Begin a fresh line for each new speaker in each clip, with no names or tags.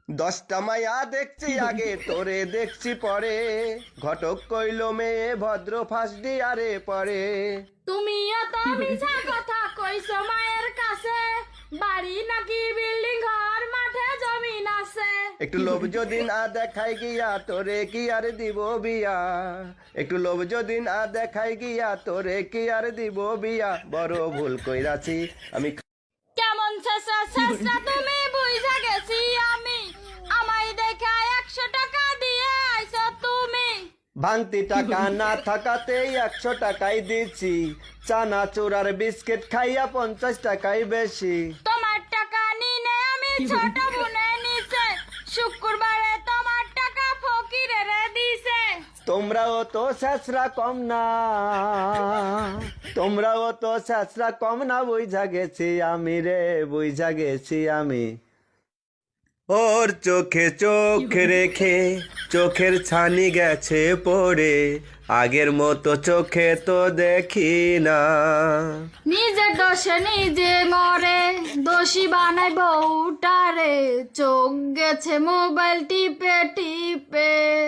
দশটা মায়া দেখছি আগে তোরে দেখছি পরে, ঘটক কইল মেয়ে ভদ্র ফাঁসডি আরে পরে।
তুমি এত মিছা কথা কইছো মায়ের কাছে, বাড়ি নাকি বিল্ডিং ঘর মাঠে জমিন আছে।
একটু লোভ যদি না দেখাই গিয়া তোরে কি আর দিব বিয়া, একটু লোভ যদি না দেখাই গিয়া তোরে কি আর দিব বিয়া। বড় ভুল কইরাছি আমি।
কেমন শেষা শেষা তুমি বুঝা গেছি আমি, আমায় দেখা 100 টাকা দিয়ে আইছো তুমি।
ভাঙতি টাকা না থাকাতে 100 টাকাই দিচ্ছি, চানা চুরার বিস্কিট খাইয়া 50 টাকাই বেশি।
তোমার টাকা নিনে আমি ছোট বোনে নিছে, শুক্রবারে তোমার টাকা ফকিরে রে দিছে।
তোমরাও তো শেষরা কম না, তোমরাও তো শেষরা কম না, বুঝা গেছি আমি রে, বুঝা গেছি আমি। ওর চোখে চোখ রেখে চোখের ছানি গেছে পড়ে, আগের মতো চোখে তো দেখি না।
নিজের দোষে নিজে মরে, দোষী বানাই বউটারে, চোখ গেছে মোবাইল টিপে টিপে।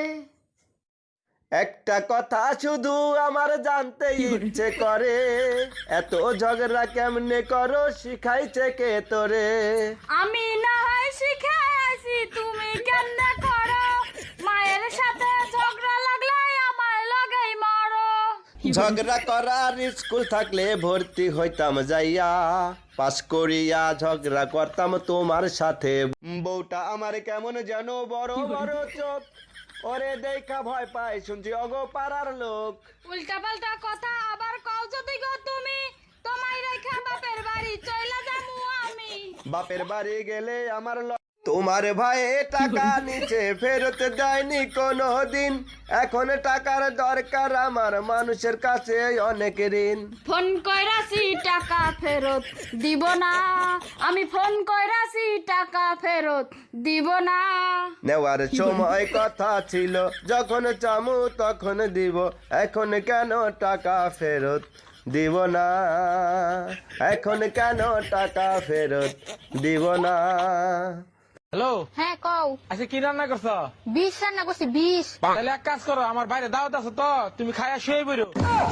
একটা কথা শুধু আমার জানতে ইচ্ছে করে, এত ঝগড়া কেমনে করো শিখাইছে কে তোরে?
আমি না হয় শিখাইছি, তুমি কেমনে করো? মায়ের সাথে ঝগড়া লাগলে আমার লাগেই মরো।
ঝগড়া করার স্কুল থাকলে ভর্তি হইতাম যাইয়া, পাস করিয়া ঝগড়া করতাম তোমার সাথে। বউটা আমার কেমন যেন বড় বড় চোখ, ওরে দেখা ভয় পাই শুনছি অগো পাড়ার লোক।
উল্টা পাল্টা কথা আবার কও যদি গো তুমি, তোমায় রেখা বাপের বাড়ি চইলা যামু আমি।
বাপের বাড়ি গেলে আমার তোমার ভাই টাকা নিচে ফেরত দেয়নি কোনো দিন, এখন টাকার দরকার আমার মানুষের কাছে অনেক ঋণ।
ফোন কইরাছি টাকা ফেরত দিব না, আমি ফোন কইরাছি টাকা ফেরত দিব না।
নেওয়ার সময় কথা ছিল যখন চামু তখন দিব, এখন কেন টাকা ফেরত দিব না, এখন কেন টাকা ফেরত দিব না।
হ্যালো,
হ্যাঁ কও।
আচ্ছা কি রান্না করছ?
20 রান্না করছি 20।
তাহলে এক কাজ করো, আমার বাইরে দাওয়াত আছে তো, তুমি খাইয়া শুয়ে বেরো।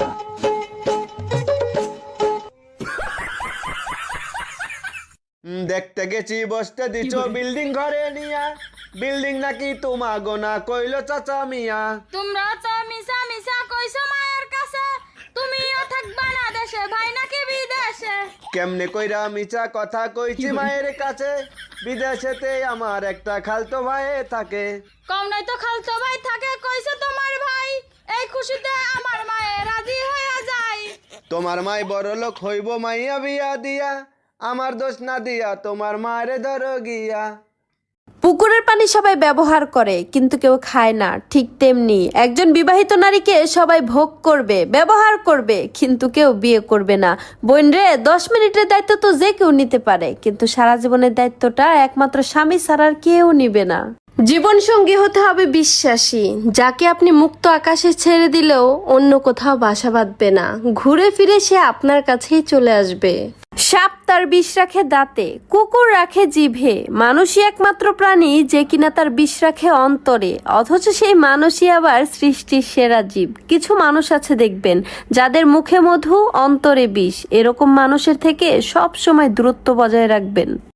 দেখতে গেছি বসতে দিছো বিল্ডিং ঘরে নিয়া, বিল্ডিং নাকি তোমা গোনা কইলো চাচা মিয়া।
তোমরা তো মিশা মিশা কইছো মায়ের কাছে, তুমিও থাকবা না দেশে, ভাই নাকি বিদেশে।
কেমনে কইরা মিছা কথা কইছি মায়ের কাছে, বিদেশেতে আমার একটা খালতো ভাই থাকে।
কম নাই তো খালতো ভাই থাকে, কইছে তোমার ভাই, এই খুশিতে আমার মায়ে রাজি হয়ে যায়।
তোমার মাই বড় লোক হইব মাইয়া বিয়া দিয়া, আমার দোষ না দিয়া তোমার মায়ের ধরো গিয়া।
পুকুরের পানি সবাই ব্যবহার করে কিন্তু কেউ খায় না, ঠিক তেমনি একজন বিবাহিত নারীকে সবাই ভোগ করবে, ব্যবহার করবে, কিন্তু কেউ বিয়ে করবে না। বোন রে, 10 মিনিটের দায়িত্ব তো যে কেউ নিতে পারে, কিন্তু সারা জীবনের দায়িত্বটা একমাত্র স্বামী ছাড়া আর কেউ নিবে না। জীবন সঙ্গী হতে হবে বিশ্বাসী, যাকে আপনি মুক্ত আকাশে ছেড়ে দিলেও অন্য কোথাও বাসা বাঁধবে না, ঘুরে ফিরে সে আপনার কাছেই চলে আসবে। সাপ তার বিষ রাখে দাঁতে, কুকুর রাখে জিভে, মানুষই একমাত্র প্রাণী যে কিনা তার বিষ রাখে অন্তরে, অথচ সেই মানুষই আবার সৃষ্টির সেরা জীব। কিছু মানুষ আছে দেখবেন যাদের মুখে মধু অন্তরে বিষ, এরকম মানুষের থেকে সব সময় দূরত্ব বজায় রাখবেন।